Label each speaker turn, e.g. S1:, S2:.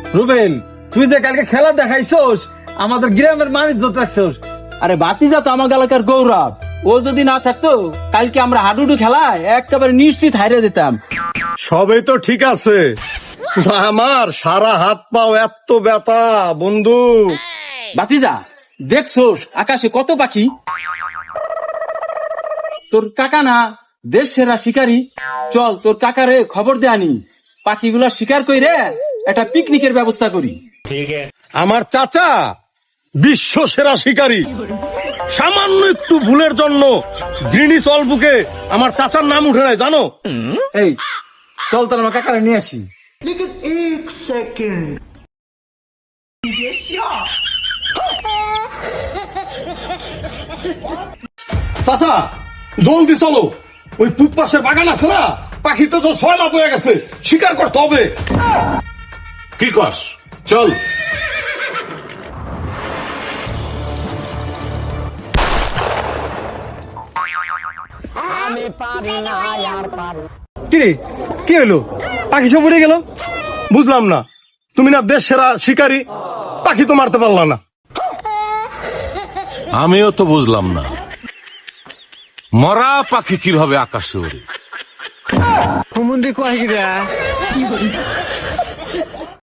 S1: রুবেল, তুই যে কালকে খেলা দেখাইছস, আমাদের গ্রামের মানুষ যত রাখছস।
S2: আরে বাতিজা তো আমার এলাকার গৌরব, ও যদি না থাকতো কালকে আমরা হাডুডু খেলায় একেবারে নিশ্চিত হারিয়ে দিতাম।
S3: সবই তো ঠিক আছে, কিন্তু আমার সারা হাত পাও এত ব্যথা বন্ধু।
S2: বাতিজা দেখছোস আকাশে কত পাখি? তোর কাকা না দেশ সেরা শিকারী, চল তোর কাকারে খবর দে আনি, পাখিগুলা শিকার কইরে একটা পিকনিকের ব্যবস্থা করি।
S3: আমার চাচা বিশ্ব সেরা শিকারী, সামান্য একটু ভুলের জন্য গ্রিনিস ওয়ার্ল্ড বুকে আমার চাচার নাম উঠে নাই জানো?
S1: এই চল তোর আমার কাকারে নিয়ে আসি।
S3: চাচা জলদি চলো, ওই পূব পাশে বাগান আছে না, পাখি তো 6 লাখ হয়ে গেছে, শিকার করতে হবে।
S4: কি কস? চল।
S1: কিরে কি হলো, পাখি সব উড়ে গেল?
S3: বুঝলাম না, তুমি না দেশ সেরা শিকারী, পাখি তো মারতে পারলা না।
S4: আমিও তো বুঝলাম না, মরা পাখি কিভাবে আকাশে ওড়ে।
S1: হুমুন্দি কয়